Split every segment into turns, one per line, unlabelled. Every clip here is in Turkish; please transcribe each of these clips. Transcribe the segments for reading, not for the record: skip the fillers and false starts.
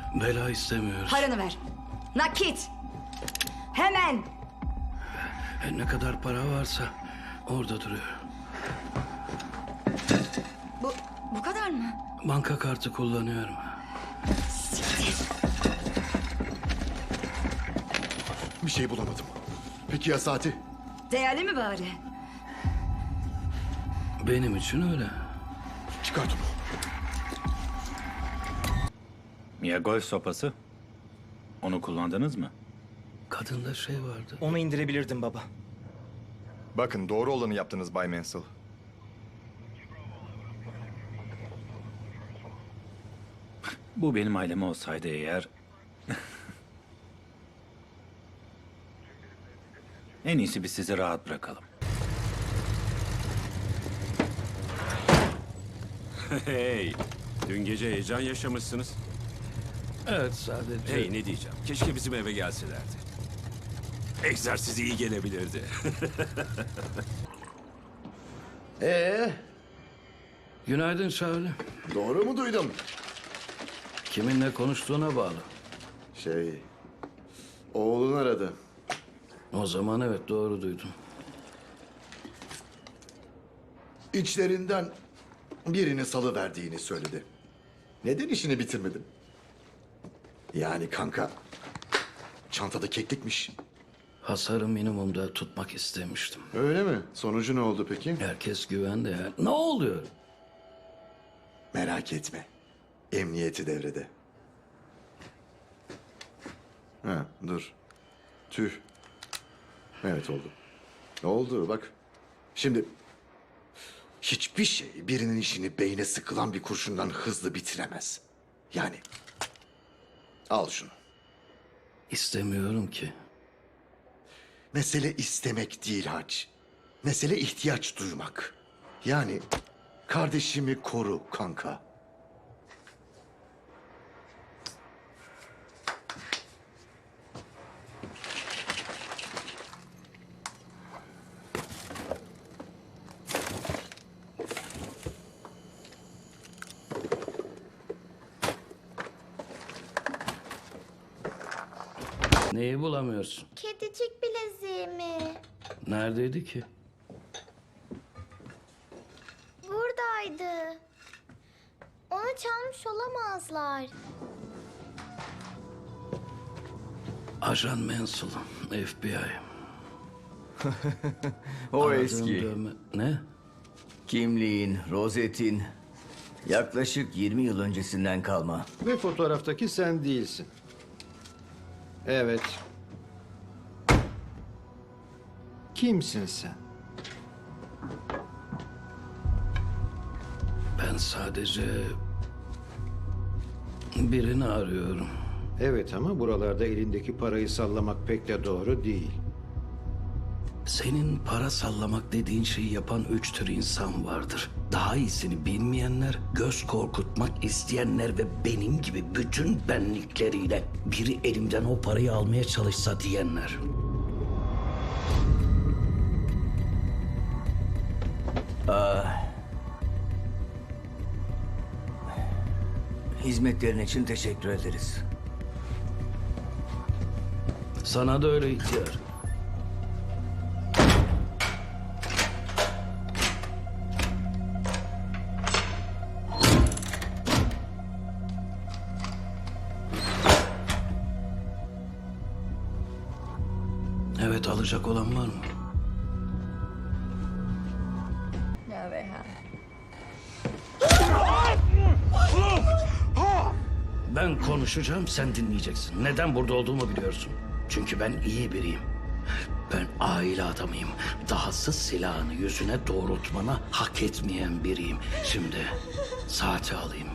Bela istemiyoruz.
Paranı ver. Nakit. Hemen.
Ne kadar para varsa orada duruyor.
Bu kadar mı?
Banka kartı kullanıyorum.
Bir şey bulamadım. Peki ya saati?
Değerli mi bari?
Benim için öyle.
Çıkart onu.
Ya golf sopası? Onu kullandınız mı?
Kadında şey vardı.
Onu indirebilirdim baba.
Bakın doğru olanı yaptınız Bay Mansell.
Bu benim ailem olsaydı eğer... En iyisi biz sizi rahat bırakalım.
Hey, dün gece heyecan yaşamışsınız.
Evet sadece.
Hey, ne diyeceğim? Keşke bizim eve gelselerdi. Egzersiz iyi gelebilirdi.
Günaydın Şavli.
Doğru mu duydum?
Kiminle konuştuğuna bağlı.
Oğlun aradı.
O zaman evet doğru duydum.
İçlerinden birini salıverdiğini söyledi. Neden işini bitirmedin? Yani kanka, çantada keklikmiş.
Hasarı minimumda tutmak istemiştim.
Öyle mi? Sonucu ne oldu peki?
Herkes güvende ya. Ne oluyor?
Merak etme. Emniyeti devrede. Ha, dur. Tüh. Evet oldu. Oldu bak. Şimdi hiçbir şey birinin işini beyne sıkılan bir kurşundan hızlı bitiremez. Yani al şunu.
İstemiyorum ki.
Mesele istemek değil Hac. Mesele ihtiyaç duymak. Yani kardeşimi koru kanka.
Neyi bulamıyorsun?
Kedicik bileziğimi.
Neredeydi ki?
Buradaydı. Onu çalmış olamazlar.
Ajan Mansell, FBI.
O
Aradığım
eski.
Ne?
Kimliğin, rozetin yaklaşık 20 yıl öncesinden kalma.
Ve fotoğraftaki sen değilsin. Evet. Kimsin sen?
Ben sadece birini arıyorum.
Evet ama buralarda elindeki parayı sallamak pek de doğru değil.
Senin para sallamak dediğin şeyi yapan 3 tür insan vardır. Daha iyisini bilmeyenler, göz korkutmak isteyenler ve benim gibi bütün benlikleriyle biri elimden o parayı almaya çalışsa diyenler.
Hizmetlerin için teşekkür ederiz.
Sana da öyle ihtiyar. Evet, alacak olan var mı? Ben konuşacağım, sen dinleyeceksin. Neden burada olduğumu biliyorsun. Çünkü ben iyi biriyim. Ben aile adamıyım. Dahası silahını yüzüne doğrultmanı hak etmeyen biriyim. Şimdi saati alayım.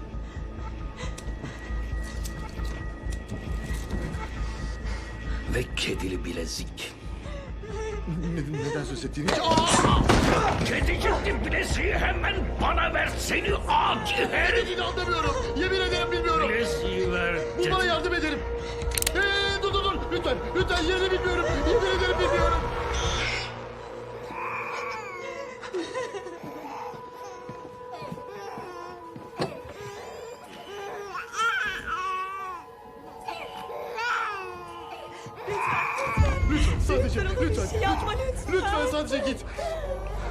Ve kedili bilezik.
Neden söz ettiğini hiç...
Kedicikli bileziği hemen bana ver, seni adi herif.
Dediğini anlamıyorum. Yemin ederim bilmiyorum.
Bileziği ver.
Bulmana yardım ederim. Dur. Lütfen yerini bilmiyorum. Yemin ederim bilmiyorum. Lütfen sadece
Lütfen ona bir
lütfen
şey yapma lütfen.
lütfen sadece git.